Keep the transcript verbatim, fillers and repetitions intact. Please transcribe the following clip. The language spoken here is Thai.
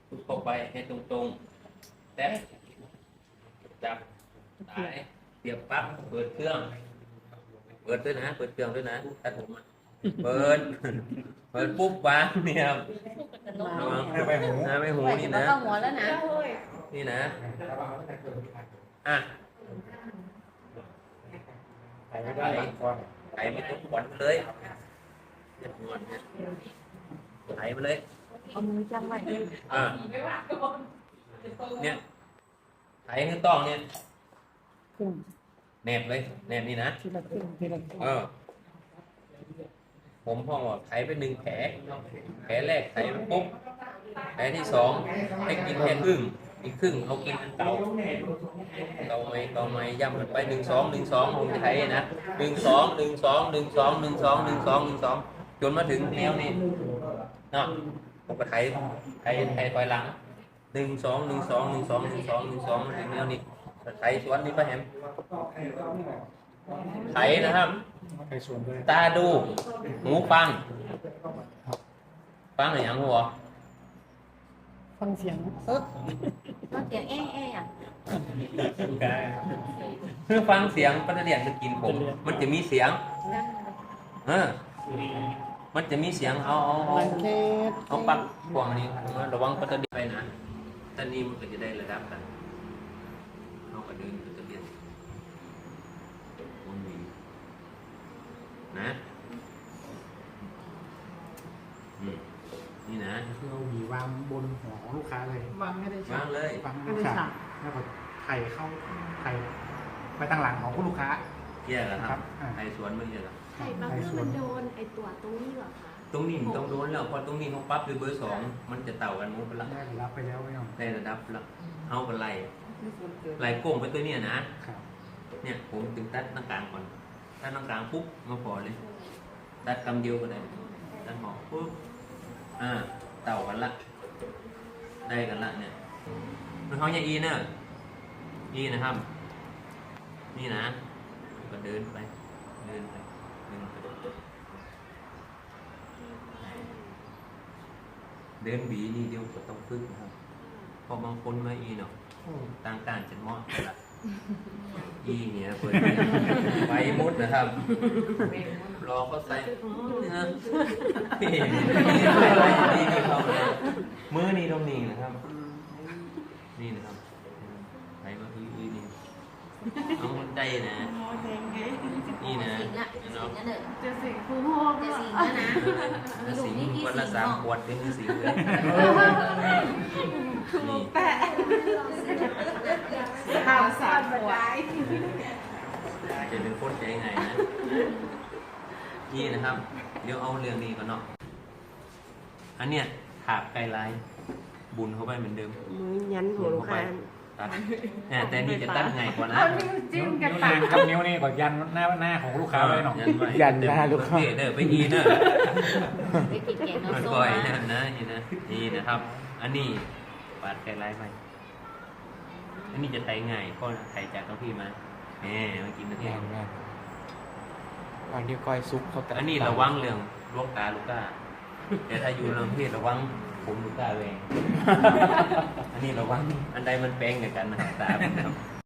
ทุบเข้าไปให้ตรงๆแตะจับสายเสียบปลั๊กเปิดเครื่อง เปิดด้วยนะเปิดเครื่องด้วยนะตัดผมอ่ะเปิดเปิดปุ๊บวางเนี่ยระวังนะไม่หูนะไม่หูนี่นะเข้าหัวแล้วนะนี่นะอ่ะไถไม่ได้ไถไม่ต้องขวัญเลยเจ็บงอนเนี่ยไถไปเลยเอามือจับไว้อ่ะเนี่ยไถให้ต้องเนี่ยขึ้นแนบเลยแนบนี่นะทีละขึ้นทีละขึ้นเออผมพ่อบอกไถไปหนึ่งแผลแผลแรกไถไปปุ๊บแผลที่สองให้กินแค่ครึ่งอีกครึ่งเอากินอันเก่าเก่าไหมเก่าไหมย่ำมันไปหนึ่งสองหนึ่งสองผมจะไถนะหนึ่งสองหนึ่งสองหนึ่งสองหนึ่งสองหนึ่งสองหนึ่งสองจนมาถึงแนวนี้เนาะผมก็ไถไถไถถอยหลังหนึ่งสองหนึ่งสองหนึ่งสองหนึ่งสองหนึ่งสองมาถึงแนวนี้ไถสวนนี่ป้าแฮมไถนะครับตาดูหูฟังฟังอะไรอย่างหัวฟังเสียงเออฟังเสียงแอ่แอ่อะเพื่อฟังเสียงปัตเตียนจะกินผมมันจะมีเสียงเออมันจะมีเสียงเอาเอาเอาเอาปักพวงนี้ระวังปัตเตียนไปนะตอนนี้มันก็จะได้ระดับกันเอากระดึงปัตเตียนวนวีนะนี่นะเราหวีวางบนหัวของลูกค้าเลยวางไม่ได้วางเลยวางไม่ได้ฉากแล้วก็ไถ่เข้าไถ่ไปตั้งหลังของผู้ลูกค้าเกี่ยเหรอครับไทยสวนมึงเกี่ยเหรอไข่ปั๊บแล้วมันโดนไอตัวตรงนี้เหรอคะตรงนี้มันต้องโดนแล้วพอตรงนี้เขาปั๊บด้วยเบอร์สองมันจะเต่ากันมุ้งไปละได้รับไปแล้วไม่ต้องได้ระดับละเอากันไล่ไล่โก้งไปตัวเนี้ยนะครับ เนี่ยผมถึงตัดหน้ากลางก่อนตัดหน้ากลางปุ๊บมาพอเลยตัดกำเดียวก็ได้ตัดหอกปุ๊บอ่าเต่ากันละได้กันละเนี่ยมันเขาอย่างอีเนอะอีนะครับนี่นะก็เดินไปเดินไปเดินไปเดินบีนี่เดียวก็ต้องพึ่งนะครับพอบางคนมาอีเนาะต่างการจะเหมาะละอีเนี่ยเปิดไปมุดนะครับรอก็ใส่นี่นะนี่นี่เขาเลยมือนี่ตรงนี้นะครับนี่นะครับไปมาอีอีนี่เอาคนใจนะนี่นะสิงละสิงนั่นเด้อจะสิงคูห้องจะสิงแล้วนะถ้าสิงวันละสามขวดเป็นสิงเลยนี่แปะสามสามหัวจะเป็นโคตรใจไงนะนี่นะครับเดี๋ยวเอาเรื่องนี้ก่อนเนาะอันเนี้ยถาบไกลไลน์บุญเข้าไปเหมือนเดิมมือยันหัวลูกค้าตัดแต่นี่จะตัดไงกว่านะเอานิ้วจิ้นิ้มวกันนิ้วตันาดงครับนิ้วนี่ก่อนยันหน้าหน้าของลูกค้าเลยเนาะยันหน้าลูกค้าเด้อไปอีเนอะไปกินแกงมันน้ำส้มก่อยมานั่นนะนี่นะนี่นะครับ อันนี้ปาดไกลไลน์ไปอันนี้จะไถง่ายเพราะไถจากท้องพี่มาแหมมากินนะพี่วันที่ก้อยซุปเขาแต่อันนี้ระวังเรื่องลูกตาลูกตาแต่ถ้าอยู่เรื่องเพศระวังผมลูกตาเอง อันนี้ระวังอันใดมันแปลงในกันนะตาครับ